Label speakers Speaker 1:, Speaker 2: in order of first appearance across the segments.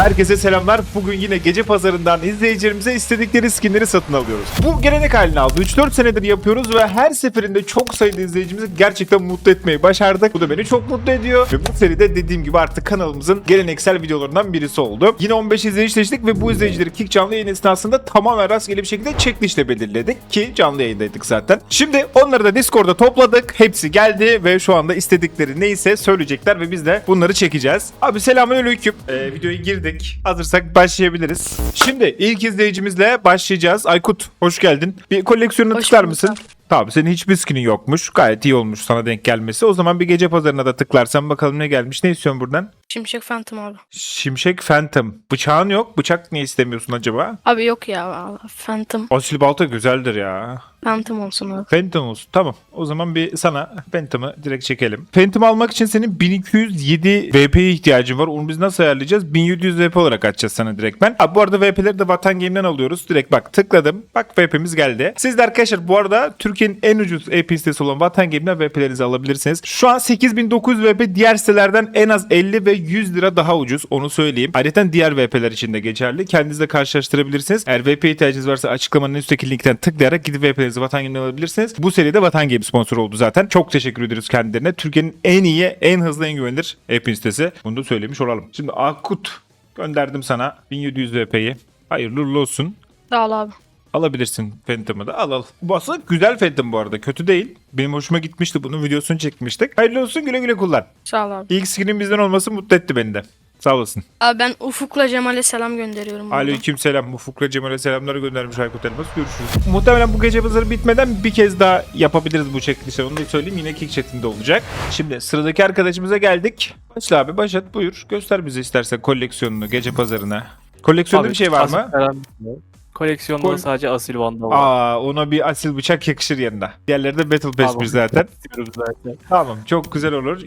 Speaker 1: Herkese selamlar. Bugün yine gece pazarından izleyicilerimize istedikleri skinleri satın alıyoruz. Bu gelenek haline aldı. 3-4 senedir yapıyoruz ve her seferinde çok sayıda izleyicimizi gerçekten mutlu etmeyi başardık. Bu da beni çok mutlu ediyor. Ve bu seride dediğim gibi artık kanalımızın geleneksel videolarından birisi oldu. Yine 15 izleyici seçtik ve bu izleyicileri Kick canlı yayın esnasında tamamen rastgele bir şekilde checklist'le belirledik ki canlı yayındaydık zaten. Şimdi onları da Discord'da topladık. Hepsi geldi ve şu anda istedikleri neyse söyleyecekler ve biz de bunları çekeceğiz. Abi selamünaleyküm. Videoya girdik. Hazırsak başlayabiliriz. Şimdi ilk izleyicimizle başlayacağız. Aykut hoş geldin. Bir koleksiyonuna
Speaker 2: Hoş
Speaker 1: tıklar
Speaker 2: bulduk
Speaker 1: mısın?
Speaker 2: abi.
Speaker 1: Tamam, senin hiçbir skinin yokmuş. Gayet iyi olmuş sana denk gelmesi. O zaman bir gece pazarına da tıklarsan bakalım ne gelmiş. Ne istiyorsun buradan?
Speaker 2: Şimşek Phantom abi.
Speaker 1: Şimşek Phantom. Bıçağın yok. Bıçak niye istemiyorsun acaba?
Speaker 2: Abi yok ya valla. Phantom.
Speaker 1: Asil balta güzeldir ya.
Speaker 2: Phantom olsun abi.
Speaker 1: Phantom olsun. Tamam. O zaman bir sana Phantom'ı direkt çekelim. Phantom almak için senin 1207 VP'ye ihtiyacın var. Onu biz nasıl ayarlayacağız? 1700 VP olarak açacağız sana direkt ben. Abi bu arada VP'leri de Vatan Game'den alıyoruz. Direkt bak tıkladım. Bak VP'miz geldi. Siz de arkadaşlar bu arada Türkiye'nin en ucuz EP sitesi olan Vatan Game'den VP'lerinizi alabilirsiniz. Şu an 8900 VP diğer sitelerden en az 50 ve 100 lira daha ucuz. Onu söyleyeyim. Ayrıca diğer VP'ler için de geçerli. Kendinizle karşılaştırabilirsiniz. Eğer VP ihtiyacınız varsa açıklamanın üstteki linkten tıklayarak gidip VP'lerinizi Vatan Game'den alabilirsiniz. Bu seride Vatan Game sponsor oldu zaten. Çok teşekkür ediyoruz kendilerine. Türkiye'nin en iyi, en hızlı, en güvenilir EP sitesi. Bunu da söylemiş olalım. Şimdi Akut gönderdim sana 1700 VP'yi. Hayırlı uğurlu olsun.
Speaker 2: Sağ ol abi.
Speaker 1: Alabilirsin Phantom'ı da al. Bu aslında güzel Phantom bu arada. Kötü değil. Benim hoşuma gitmişti. Bunun videosunu çekmiştik. Hayırlı olsun, güle güle kullan.
Speaker 2: Sağ ol abi.
Speaker 1: İlk skinin bizden olması mutlu etti beni de. Sağ olasın.
Speaker 2: Abi ben Ufuk'la Cemal'e selam gönderiyorum. buradan.
Speaker 1: Aleykümselam. Ufuk'la Cemal'e selamları göndermiş Aykut Elmas. Görüşürüz. Muhtemelen bu gece pazarı bitmeden bir kez daha yapabiliriz bu checklist'i. Onu da söyleyeyim. Yine Kick chat'inde olacak. Şimdi sıradaki arkadaşımıza geldik. Başla abi, başlat buyur. Göster bize istersen koleksiyonunu gece pazarına. Koleksiyonda
Speaker 3: Abi,
Speaker 1: bir şey var mı?
Speaker 3: Koleksiyonda
Speaker 1: Kol-
Speaker 3: sadece asil vandal var.
Speaker 1: Ona bir asil bıçak yakışır yanında. Diğerleri de Battle Pass
Speaker 3: Abi,
Speaker 1: bir zaten.
Speaker 3: istiyorum zaten.
Speaker 1: Tamam, çok güzel olur.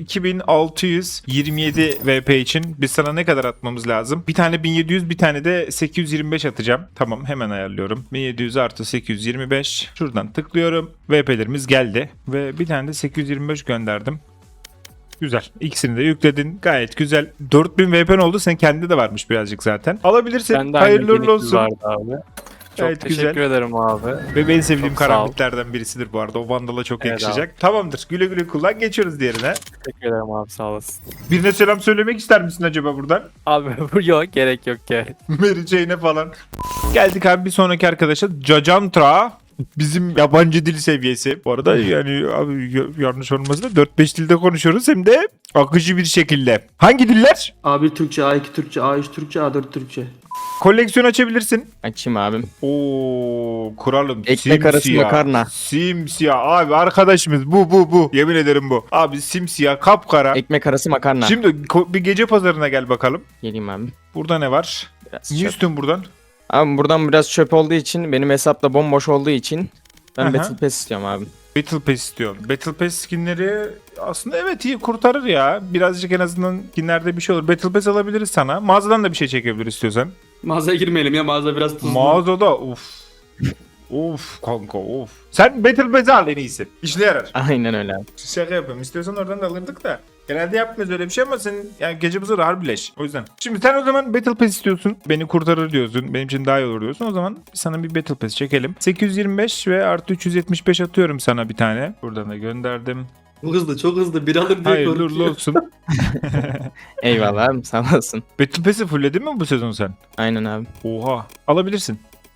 Speaker 1: 2627 VP için biz sana ne kadar atmamız lazım? Bir tane 1700, bir tane de 825 atacağım. Tamam, hemen ayarlıyorum. 1700 artı 825. Şuradan tıklıyorum. VP'lerimiz geldi. Ve bir tane de 825 gönderdim. Güzel. İkisini de yükledin. Gayet güzel. 4000 VP'n oldu. Sen kendi de varmış birazcık zaten. Alabilirsin.
Speaker 3: Bende
Speaker 1: Hayırlı uğurlu
Speaker 3: 1200
Speaker 1: olsun.
Speaker 3: vardı abi. Çok
Speaker 1: Evet,
Speaker 3: teşekkür
Speaker 1: güzel.
Speaker 3: ederim abi.
Speaker 1: Ve en sevdiğim
Speaker 3: Çok sağ ol.
Speaker 1: karambitlerden birisidir bu arada. O Vandal'a çok
Speaker 3: Evet
Speaker 1: yakışacak. Tamamdır. Güle güle kullan. Geçiyoruz diğerine.
Speaker 3: Teşekkür ederim abi, sağ olasın.
Speaker 1: Birine selam söylemek ister misin acaba buradan?
Speaker 3: Abi yok, gerek yok ki.
Speaker 1: Mary Jane'e falan. Geldik abi bir sonraki arkadaşa. Cacantra. Bizim yabancı dil seviyesi. Bu arada yani abi yanlış olmasın da 4-5 dilde konuşuyoruz hem de akıcı bir şekilde. Hangi diller?
Speaker 4: A1 Türkçe, A2 Türkçe, A3 Türkçe, A4 Türkçe.
Speaker 1: Koleksiyon açabilirsin.
Speaker 5: Açayım abim.
Speaker 1: Oo, kuralım.
Speaker 5: Ekmek arası makarna.
Speaker 1: Simsiyah abi, arkadaşımız bu. Yemin ederim bu. Abi simsiyah, kapkara.
Speaker 5: Ekmek arası makarna.
Speaker 1: Şimdi bir gece pazarına gel bakalım.
Speaker 5: Geleyim abi.
Speaker 1: Burada ne var?
Speaker 5: Biraz
Speaker 1: Niye
Speaker 5: çöp.
Speaker 1: üstün buradan?
Speaker 5: Abi buradan biraz çöp olduğu için, benim hesap da bomboş olduğu için ben
Speaker 1: Aha.
Speaker 5: Battle Pass istiyorum abi.
Speaker 1: Battle Pass istiyorsun. Battle Pass skinleri aslında evet iyi kurtarır ya. Birazcık en azından skinlerde bir şey olur. Battle Pass alabiliriz sana. Mağazadan da bir şey çekebiliriz istiyorsan.
Speaker 4: Mağazaya girmeyelim ya, mağaza biraz tuzlu.
Speaker 1: Mağazada of kanka of. Sen Battle Pass'i al en iyisi. İşine yarar.
Speaker 5: Aynen öyle abi.
Speaker 1: Şaka yapıyorum. İstiyorsan oradan da alırdık da. Genelde yapmıyoruz öyle bir şey ama senin yani gece pazarı harbileş. O yüzden. Şimdi sen o zaman Battle Pass istiyorsun. Beni kurtarır diyorsun. Benim için daha iyi olur diyorsun. O zaman sana bir Battle Pass çekelim. 825 ve artı 375 atıyorum sana bir tane. Buradan da gönderdim.
Speaker 4: Çok hızlı, çok hızlı. Bir alır diye
Speaker 1: Hayırlı uğurlu
Speaker 4: korkuyor.
Speaker 1: olsun.
Speaker 5: Eyvallah abi, sağ olasın.
Speaker 1: Battle Pass'i fullledin mi bu sezon sen?
Speaker 5: Aynen abi.
Speaker 1: Oha. Alabilirsin.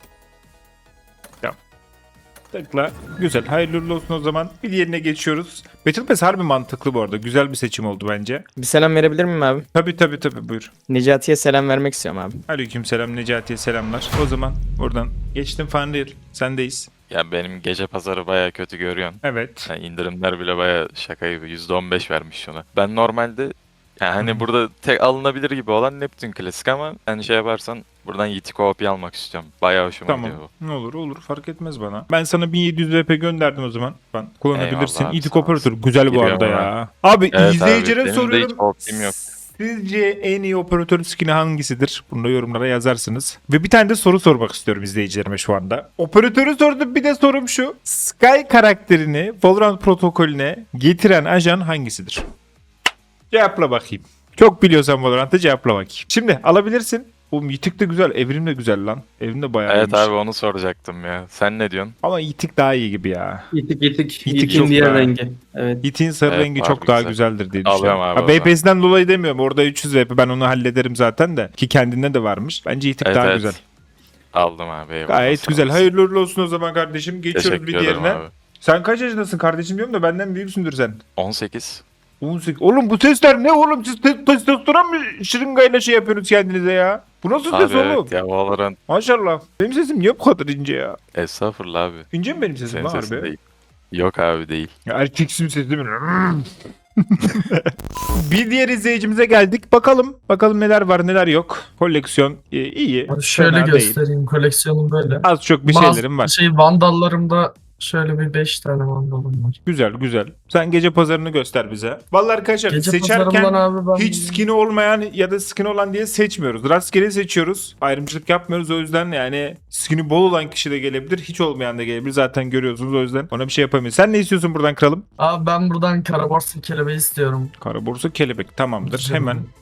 Speaker 1: Tamam. Tıkla. Güzel. Hayırlı uğurlu olsun o zaman. Bir diğerine geçiyoruz. Battle Pass harbi mantıklı bu arada. Güzel bir seçim oldu bence.
Speaker 5: Bir selam verebilir miyim abi?
Speaker 1: Tabii buyur.
Speaker 5: Necati'ye selam vermek istiyorum abi.
Speaker 1: Aleykümselam Necati'ye selamlar. O zaman buradan geçtim Fanreal. Sendeyiz.
Speaker 6: Ya benim gece pazarı baya kötü görüyorsun.
Speaker 1: Evet.
Speaker 6: Yani indirimler bile baya şaka gibi %15 vermiş şuna. Ben normalde yani hani burada tek alınabilir gibi olan Neptün klasik ama hani şey yaparsan buradan Yitiko OP almak istiyorum. Baya hoşuma
Speaker 1: Tamam.
Speaker 6: gidiyor bu.
Speaker 1: Ne olur fark etmez bana. Ben sana 1700 VP gönderdim o zaman. Ben kullanabilirsin.
Speaker 6: Eyvallah abi,
Speaker 1: İtik
Speaker 6: sağ
Speaker 1: operatör
Speaker 6: olasın.
Speaker 1: güzel bu
Speaker 6: Giriyorum
Speaker 1: arada
Speaker 6: hemen.
Speaker 1: ya. Abi
Speaker 6: Evet
Speaker 1: izleyicilere
Speaker 6: abi, benim de
Speaker 1: soruyorum.
Speaker 6: hiç OP'm yok.
Speaker 1: Sizce en iyi operatör skin'i hangisidir? Bunu da yorumlara yazarsınız. Ve bir tane de soru sormak istiyorum izleyicilerime şu anda. Operatörü sordum, bir de sorum şu. Sky karakterini Valorant protokolüne getiren ajan hangisidir? Cevapla bakayım. Çok biliyorsan Valorant'ı cevapla bakayım. Şimdi alabilirsin. Oğlum Yitik de güzel. Evrim de güzel lan. Evrim de bayağı
Speaker 6: Evet
Speaker 1: iyiymiş.
Speaker 6: abi onu soracaktım ya. Sen ne diyorsun?
Speaker 1: Ama Yitik daha iyi gibi ya.
Speaker 4: Yitik yitik.
Speaker 1: Yitik
Speaker 4: Yitik'in
Speaker 1: çok
Speaker 4: diğer
Speaker 1: daha-
Speaker 4: rengi. Evet.
Speaker 1: Yitik'in sarı
Speaker 6: Evet,
Speaker 1: rengi
Speaker 6: abi
Speaker 1: çok daha
Speaker 6: güzel.
Speaker 1: güzeldir diye
Speaker 6: Alıyorum
Speaker 1: düşünüyorum.
Speaker 6: abi
Speaker 1: Ha,
Speaker 6: o zaman.
Speaker 1: VPS'den dolayı demiyorum. Orada 300 VP ben onu hallederim zaten de. Ki kendinde de varmış. Bence Yitik
Speaker 6: Evet,
Speaker 1: daha
Speaker 6: evet.
Speaker 1: güzel.
Speaker 6: Aldım abi. Eyvallah,
Speaker 1: Gayet
Speaker 6: sağ
Speaker 1: güzel.
Speaker 6: olasın.
Speaker 1: Hayırlı uğurlu olsun o zaman kardeşim. Geçiyoruz
Speaker 6: Teşekkür
Speaker 1: bir
Speaker 6: ederim
Speaker 1: diğerine.
Speaker 6: abi.
Speaker 1: Sen kaç yaşındasın kardeşim diyorum da benden büyüksündür sen.
Speaker 6: 18.
Speaker 1: 18. Oğlum bu sesler ne oğlum? Siz testosteron mu şırıngayla şey yapıyorsunuz kendinize ya? Bu nasıl
Speaker 6: Abi
Speaker 1: ses oğlum?
Speaker 6: evet ya Valorant.
Speaker 1: Maşallah. Benim sesim niye bu kadar ince ya?
Speaker 6: Estağfurullah abi.
Speaker 1: İnce mi benim sesim
Speaker 6: Senin
Speaker 1: lan
Speaker 6: sesin
Speaker 1: harbi?
Speaker 6: değil. Yok abi değil.
Speaker 1: Ya erkeksim sesim. Bir diğer izleyicimize geldik. Bakalım neler var neler yok. Koleksiyon iyi.
Speaker 7: Abi şöyle
Speaker 1: fena değil.
Speaker 7: göstereyim, koleksiyonum böyle.
Speaker 1: Az çok bir
Speaker 7: Bazı
Speaker 1: şeylerim var.
Speaker 7: Vandallarımda şöyle bir 5 tane vandalım var.
Speaker 1: Güzel. Sen gece pazarını göster bize. Vallahi arkadaşlar
Speaker 7: Gece
Speaker 1: seçerken
Speaker 7: pazarımdan abi ben
Speaker 1: hiç skin'i olmayan ya da skin olan diye seçmiyoruz. Rastgele seçiyoruz. Ayrımcılık yapmıyoruz. O yüzden yani skin'i bol olan kişi de gelebilir. Hiç olmayan da gelebilir. Zaten görüyorsunuz o yüzden. Ona bir şey yapamayız. Sen ne istiyorsun buradan kralım?
Speaker 7: Abi ben buradan karaborsa kelebeği istiyorum.
Speaker 1: Kara borsa kelebek. Tamamdır.
Speaker 7: Güzel
Speaker 1: Hemen.
Speaker 7: olur.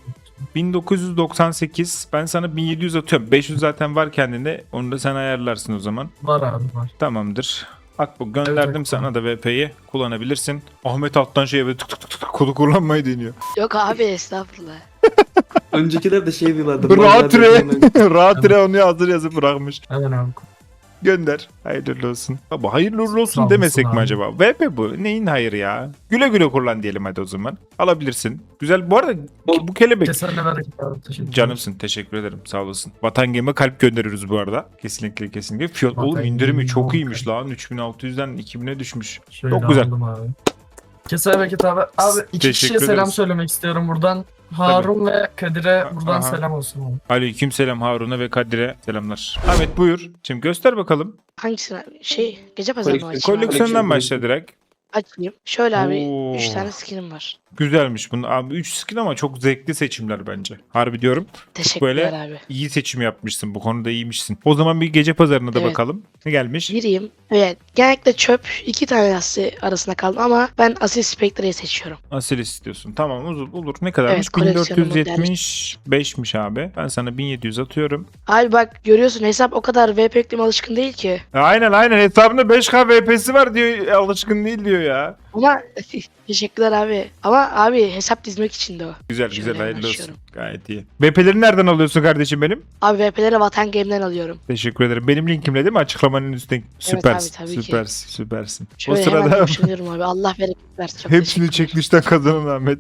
Speaker 1: 1998. Ben sana 1700 atıyorum. 500 zaten var kendinde. Onu da sen ayarlarsın o zaman.
Speaker 7: Var abi var.
Speaker 1: Tamamdır. Bak bu gönderdim
Speaker 7: Evet,
Speaker 1: sana da VP'yi. Kullanabilirsin. Ahmet alttan şey böyle tık tık tık tık kodu kullanmayı deniyor.
Speaker 2: Yok abi estağfurullah.
Speaker 4: Öncekiler de şey diyorlardı.
Speaker 1: Rahat
Speaker 4: Mazer
Speaker 1: re.
Speaker 4: diyorlar.
Speaker 1: Rahat re onu hazır yazıp bırakmış.
Speaker 7: Hemen abi.
Speaker 1: Gönder. Hayırlı olsun. Baba hayırlı uğurlu olsun
Speaker 7: Sağ
Speaker 1: demesek
Speaker 7: olasın
Speaker 1: mi
Speaker 7: abi.
Speaker 1: acaba? VP bu. Neyin hayır ya? Güle güle kullan diyelim hadi o zaman. Alabilirsin. Güzel. Bu arada bu kelebek.
Speaker 7: Kesinlikle bereket abi. Teşekkür ederim.
Speaker 1: Canımsın. Teşekkür ederim. Sağ olasın. Vatan Game'e kalp gönderiyoruz bu arada. Kesinlikle. Fiyat
Speaker 7: Vatan
Speaker 1: oğlum indirimi
Speaker 7: Game
Speaker 1: çok
Speaker 7: Vatan.
Speaker 1: iyiymiş lan. 3600'den 2000'e düşmüş.
Speaker 7: Şöyle
Speaker 1: Çok güzel.
Speaker 7: aldım abi. Kesene bereket abi. Abi iki
Speaker 1: Teşekkür
Speaker 7: kişiye selam
Speaker 1: ederiz.
Speaker 7: söylemek istiyorum buradan. Harun ve Kadir'e buradan
Speaker 1: Aha.
Speaker 7: selam olsun abi.
Speaker 1: Aleykümselam Harun'a ve Kadir'e selamlar. Ahmet buyur. Şimdi göster bakalım.
Speaker 2: Hangisini abi? Gece pazarı mı
Speaker 4: Koleksiyon.
Speaker 2: açayım abi?
Speaker 1: Koleksiyondan
Speaker 4: Koleksiyon.
Speaker 1: başla direkt.
Speaker 2: Açayım. Şöyle abi
Speaker 1: Oo.
Speaker 2: 3 tane skinim var.
Speaker 1: Güzelmiş bunun. Abi 3 skin ama çok zevkli seçimler bence. Harbi diyorum.
Speaker 2: Teşekkürler abi.
Speaker 1: İyi seçim yapmışsın. Bu konuda iyiymişsin. O zaman bir gece pazarına da
Speaker 2: Evet.
Speaker 1: bakalım. Ne gelmiş?
Speaker 2: Gireyim. Evet. Genellikle çöp 2 tane lastiği arasında kaldım ama ben Asil Spectre'yi seçiyorum.
Speaker 1: Asil istiyorsun. Tamam olur. Ne kadarmış?
Speaker 2: Evet, koleksiyonumu
Speaker 1: 1475'miş abi. Ben sana 1700 atıyorum.
Speaker 2: Abi bak görüyorsun hesap o kadar VP yükleme alışkın değil ki.
Speaker 1: Aynen. Hesabında 5K VP'si var diyor. Alışkın değil diyor ya.
Speaker 2: Ama teşekkürler abi. Ama abi hesap dizmek için de o.
Speaker 1: Güzel
Speaker 2: Şöyle
Speaker 1: hayırlı olsun.
Speaker 2: açıyorum.
Speaker 1: Gayet iyi. VP'leri nereden alıyorsun kardeşim benim?
Speaker 2: Abi VP'leri Vatan Game'den alıyorum.
Speaker 1: Teşekkür ederim. Benim linkimle değil mi? Açıklamanın üstüne. Süpersin.
Speaker 2: abi, tabii ki.
Speaker 1: Süpersin.
Speaker 2: Şöyle
Speaker 1: o
Speaker 2: hemen
Speaker 1: sırada
Speaker 2: yapıştırıyorum abi. Allah bereket versin. Çok
Speaker 1: hepsini
Speaker 2: teşekkürler.
Speaker 1: çekilişten kazanan Ahmet.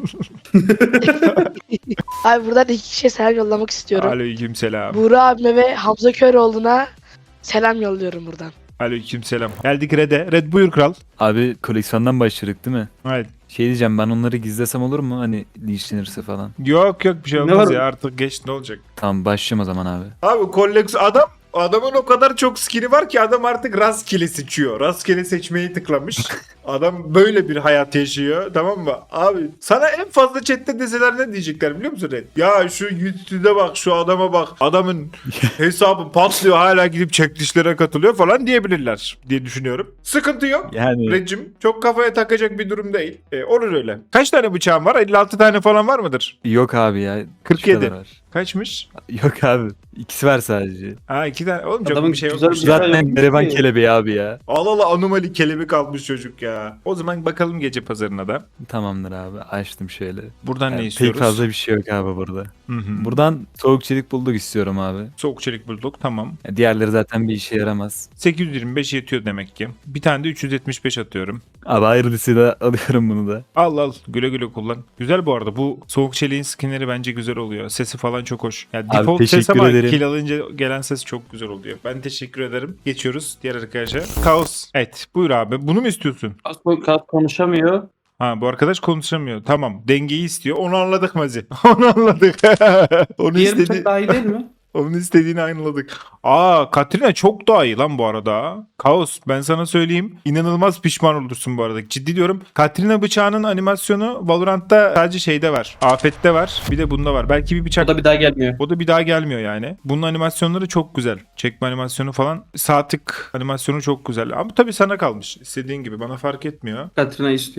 Speaker 2: Abi buradan 2 kişiye selam yollamak istiyorum.
Speaker 1: Aleykümselam.
Speaker 2: Buğra abime ve Hamza Köroğlu'na selam yolluyorum buradan.
Speaker 1: Aleykümselam. Geldik Red'e. Red buyur kral.
Speaker 8: Abi koleksiyondan başladık değil mi?
Speaker 1: Haydi.
Speaker 8: Şey diyeceğim, ben onları gizlesem olur mu? Hani linçlenirse falan.
Speaker 1: Yok bir şey
Speaker 4: Ne
Speaker 1: olmaz
Speaker 4: var?
Speaker 1: ya artık geç ne olacak.
Speaker 8: Tamam, başlayayım o zaman abi.
Speaker 1: Abi adamın o kadar çok skill'i var ki adam artık rastgele seçiyor. Rastgele seçmeyi tıklamış. Adam böyle bir hayat yaşıyor, tamam mı? Abi sana en fazla chatte deseler ne diyecekler biliyor musun Red? Ya şu yüzüne bak, şu adama bak. Adamın hesabı patlıyor, hala gidip çekilişlere katılıyor falan diyebilirler diye düşünüyorum. Sıkıntı yok.
Speaker 8: Yani
Speaker 1: Red'cim çok kafaya takacak bir durum değil. Olur öyle. Kaç tane bıçağın var? 56 tane falan var mıdır?
Speaker 8: yok abi ya. şu
Speaker 1: 47.
Speaker 8: kadar var.
Speaker 1: Kaçmış?
Speaker 8: Yok abi. İkisi var sadece.
Speaker 1: Ha 2 tane. Oğlum çok
Speaker 4: Adamın
Speaker 1: bir şey yok.
Speaker 4: güzel bir
Speaker 8: Zaten
Speaker 4: yok
Speaker 8: gariban
Speaker 4: ki.
Speaker 8: kelebeği abi ya.
Speaker 1: Allah anomali kelebek almış çocuk ya. O zaman bakalım gece pazarına da.
Speaker 8: Tamamdır abi. Açtım şöyle.
Speaker 1: Buradan
Speaker 8: Yani
Speaker 1: ne
Speaker 8: pek
Speaker 1: istiyoruz?
Speaker 8: fazla bir şey yok abi burada.
Speaker 1: Hı.
Speaker 8: Buradan soğuk çelik bulduk istiyorum abi.
Speaker 1: Soğuk çelik bulduk tamam.
Speaker 8: Ya diğerleri zaten bir işe yaramaz.
Speaker 1: 825 yetiyor demek ki. Bir tane de 375 atıyorum.
Speaker 8: Abi hayırlısıyla alıyorum bunu da.
Speaker 1: Al güle güle kullan. Güzel bu arada bu soğuk çeliğin skinleri bence güzel oluyor. Sesi falan çok hoş. Yani
Speaker 8: Abi
Speaker 1: default ses
Speaker 8: teşekkür
Speaker 1: ama
Speaker 8: ederim.
Speaker 1: kill alınca gelen ses çok güzel oluyor. Ben teşekkür ederim. Geçiyoruz diğer arkadaşa. Kaos. Evet buyur abi. Bunu mu istiyorsun?
Speaker 4: Kas konuşamıyor.
Speaker 1: Ha bu arkadaş konuşamıyor. Tamam. Dengeyi istiyor. Onu anladık Mazi. Onu anladık. Onu
Speaker 4: Diğeri
Speaker 1: istedi.
Speaker 4: çok daha iyi değil mi?
Speaker 1: Onun istediğini anladık. Katrina çok daha iyi lan bu arada. Kaos ben sana söyleyeyim. İnanılmaz pişman olursun bu arada. Ciddi diyorum. Katrina bıçağının animasyonu Valorant'ta sadece şeyde var. Afet'te var. Bir de bunda var. Belki bir bıçak.
Speaker 4: O da bir daha gelmiyor.
Speaker 1: O da bir daha gelmiyor yani. Bunun animasyonları çok güzel. Çekme animasyonu falan. Sağ tık animasyonu çok güzel. Ama tabii sana kalmış. İstediğin gibi. Bana fark etmiyor.
Speaker 4: Katrina istiyor.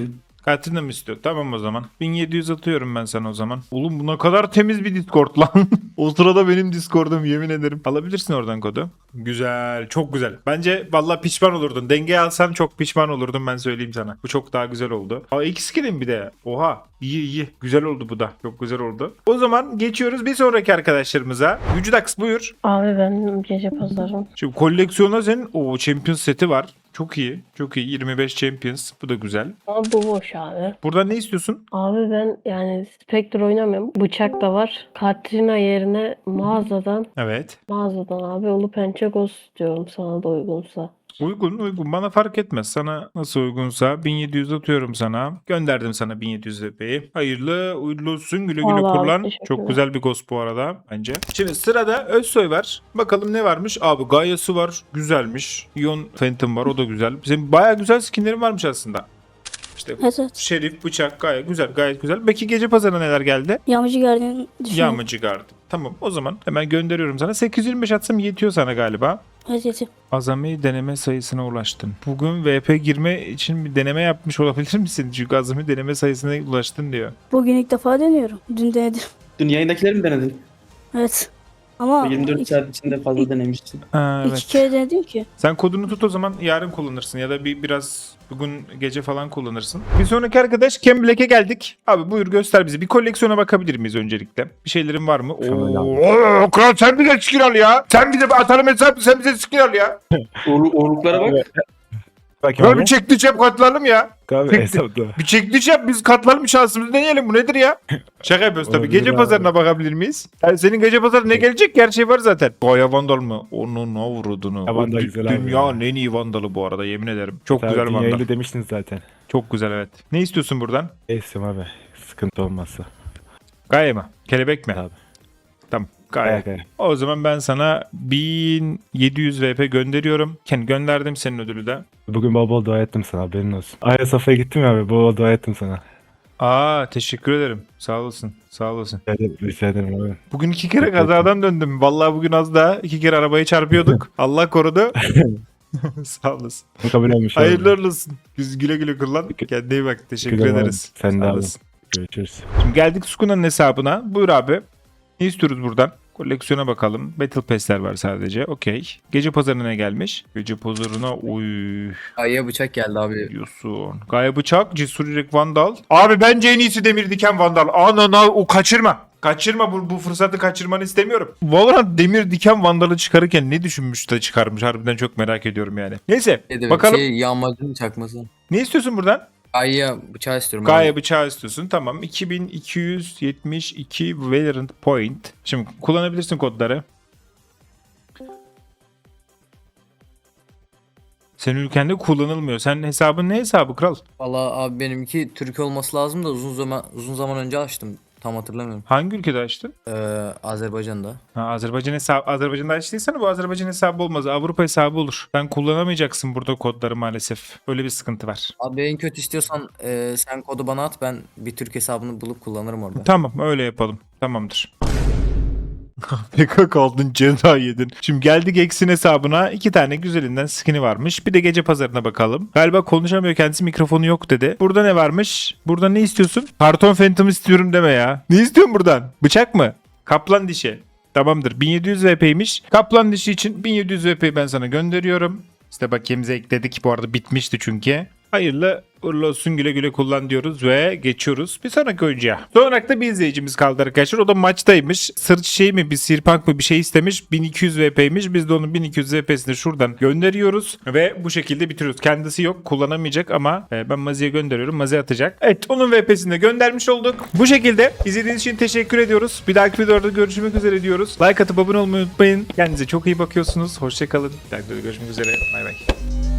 Speaker 1: Katrina mı istiyor? Tamam o zaman. 1700 atıyorum ben sana o zaman. Oğlum bu ne kadar temiz bir Discord lan. O sırada benim Discord'um, yemin ederim. Alabilirsin oradan kodu. Güzel. Çok güzel. Bence vallahi pişman olurdun. Denge alsan çok pişman olurdun, ben söyleyeyim sana. Bu çok daha güzel oldu. Aa, iki skill'im bir de. Oha. İyi iyi. Güzel oldu bu da. Çok güzel oldu. O zaman geçiyoruz bir sonraki arkadaşlarımıza. Vücudax buyur.
Speaker 9: Abi ben gece pazarım.
Speaker 1: Şimdi koleksiyona senin o Champions seti var. Çok iyi. Çok iyi. 25 Champions. Bu da güzel.
Speaker 9: Ama bu boş abi.
Speaker 1: Buradan ne istiyorsun?
Speaker 9: Abi ben yani Spectre oynamıyorum. Bıçak da var. Katrina yerine
Speaker 1: Evet.
Speaker 9: mağazadan abi Ulu Pençe Ghost istiyorum sana da uygunsa.
Speaker 1: Uygun uygun. Bana fark etmez. Sana nasıl uygunsa 1700 atıyorum sana. Gönderdim sana 1700 VP'yi. Hayırlı uğurlu olsun. Güle güle
Speaker 9: Vallahi abi,
Speaker 1: kullan.
Speaker 9: teşekkürler.
Speaker 1: Çok güzel bir ghost bu arada bence. Şimdi sırada Özsoy var. Bakalım ne varmış? Abi Gaia'sı var. Güzelmiş. Ion Phantom var. O da güzel. Senin bayağı güzel skinlerin varmış aslında. İşte
Speaker 10: Evet.
Speaker 1: Şerif, bıçak gayet güzel, gayet güzel. Peki gece pazarına neler geldi?
Speaker 10: Yağmacı Guardian düşünüyorum.
Speaker 1: Yağmacı gardı. Tamam o zaman hemen gönderiyorum sana. 825 atsam yetiyor sana galiba.
Speaker 10: Evet yetiyor.
Speaker 1: Azami deneme sayısına ulaştın. Bugün VP girme için bir deneme yapmış olabilir misin? Çünkü azami deneme sayısına ulaştın diyor.
Speaker 10: Bugün ilk defa deniyorum. Dün denedim.
Speaker 4: Dün yayındakileri mi denedin?
Speaker 10: Evet. Ama
Speaker 4: 24 saat içinde fazla denemiştin.
Speaker 1: Ha,
Speaker 10: iki
Speaker 1: evet.
Speaker 10: kere denedim ki.
Speaker 1: Sen kodunu tut o zaman, yarın kullanırsın ya da biraz bugün gece falan kullanırsın. Bir sonraki arkadaş Ken Black'e geldik. Abi buyur göster bize. Bir koleksiyona bakabilir miyiz öncelikle? Bir şeylerin var mı? Oo, kral sen bize skin al ya. Sen bize atalım hesabı, sen bize skin al ya.
Speaker 4: Uğurluklara bak.
Speaker 1: Kral bir çekti cep katlanalım ya.
Speaker 8: Abi hesapta.
Speaker 1: Bir çekiliş yap, biz katlanalım şansımızı deneyelim. Bu nedir ya? Şaka yapıyoruz tabii.
Speaker 8: Olabilir
Speaker 1: Gece
Speaker 8: abi.
Speaker 1: pazarına bakabilir miyiz? Yani senin gece pazarına ne gelecek? Her şey var zaten. Gaya Vandal mı? Onun avradını.
Speaker 8: Ya Vandal güzel abi
Speaker 1: Dünyanın
Speaker 8: ya.
Speaker 1: en iyi Vandal'ı bu arada, yemin ederim. Çok
Speaker 8: Tabii,
Speaker 1: güzel Vandal.
Speaker 8: yayında demiştiniz zaten.
Speaker 1: Çok güzel evet. Ne istiyorsun buradan?
Speaker 8: Esim abi. Sıkıntı olmazsa.
Speaker 1: Gaye mi? Kelebek mi?
Speaker 8: Tabii.
Speaker 1: Tamam. Gaye.
Speaker 8: Gaya.
Speaker 1: O zaman ben sana 1700 VP gönderiyorum. Gönderdim senin ödülü de.
Speaker 8: Bugün bol bol dua ettim sana, haberin olsun. Ayasofya'ya gittim ya abi, bol bol dua ettim sana.
Speaker 1: Aa, teşekkür ederim. Sağ olasın. Sağ olasın.
Speaker 8: Rica ederim abi.
Speaker 1: Bugün 2 kere kazadan döndüm. Vallahi bugün az daha 2 kere arabayı çarpıyorduk. Allah korudu. Sağ olasın.
Speaker 8: Bu kabul olmuş abi.
Speaker 1: Hayırlı uğurlu olsun. Biz güle güle kullan. Kendine iyi bak. Teşekkür
Speaker 8: Güle güle
Speaker 1: ederiz.
Speaker 8: abi. Sen de
Speaker 1: Sağ
Speaker 8: abi.
Speaker 1: olasın.
Speaker 8: Görüşürüz.
Speaker 1: Şimdi geldik Sukuna'nın hesabına. Buyur abi. Ne istiyoruz buradan? Koleksiyona bakalım. Battle Pass'ler var sadece. Okey. Gece pazarına ne gelmiş? Gece pazarına uy
Speaker 5: Ayıya bıçak geldi abi.
Speaker 1: diyorsun. Gaye bıçak, cesur yürek Vandal. Abi bence en iyisi demir diken Vandal. Anana o kaçırma. Kaçırma, bu fırsatı kaçırmanı istemiyorum. Valorant demir diken Vandal'ı çıkarırken ne düşünmüş de çıkarmış, harbiden çok merak ediyorum yani. Neyse bakalım.
Speaker 5: Yağmacının çakması.
Speaker 1: Ne istiyorsun buradan?
Speaker 5: Ayıya bıçağı istiyorum.
Speaker 1: Gaye bıçağı istiyorsun. Tamam. 2272 Valorant Point. Şimdi kullanabilirsin kodları. Senin ülkende kullanılmıyor. Sen hesabın ne hesabı kral?
Speaker 5: Valla abi benimki Türk olması lazım da uzun zaman önce açtım. Tam hatırlamıyorum.
Speaker 1: Hangi ülkede açtın?
Speaker 5: Azerbaycan'da.
Speaker 1: Ha, Azerbaycan hesabı. Azerbaycan'da açtıysan bu Azerbaycan hesabı olmaz. Avrupa hesabı olur. Sen kullanamayacaksın burada kodları maalesef. Öyle bir sıkıntı var.
Speaker 5: Abi en kötü istiyorsan sen kodu bana at, ben bir Türk hesabını bulup kullanırım orada.
Speaker 1: Tamam öyle yapalım. Tamamdır. PK kaldın, ceza yedin. Şimdi geldik X'in hesabına. 2 tane güzelinden skin'i varmış. Bir de gece pazarına bakalım. Galiba konuşamıyor kendisi, mikrofonu yok dedi. Burada ne varmış? Burada ne istiyorsun? Karton Phantom istiyorum deme ya. Ne istiyorsun buradan? Bıçak mı? Kaplan dişi. Tamamdır. 1700 VP'ymiş. Kaplan dişi için 1700 VP'yi ben sana gönderiyorum. İşte bakiyemize ekledik. Bu arada bitmişti çünkü. Hayırlı uğurlu olsun, güle güle kullan diyoruz ve geçiyoruz bir sonraki oyuncuya. Son olarak da bir izleyicimiz kaldı arkadaşlar. O da maçtaymış. Sırt çiçeği mi, bir sirpank mı bir şey istemiş. 1200 VP'ymiş. Biz de onun 1200 VP'sini şuradan gönderiyoruz ve bu şekilde bitiriyoruz. Kendisi yok, kullanamayacak ama ben Mazi'ye gönderiyorum. Mazi atacak. Evet, onun VP'sini de göndermiş olduk. Bu şekilde izlediğiniz için teşekkür ediyoruz. Bir dahaki videoda görüşmek üzere diyoruz. Like atıp abone olmayı unutmayın. Kendinize çok iyi bakıyorsunuz. Hoşçakalın. Bir dahaki videoda görüşmek üzere. Bay bay.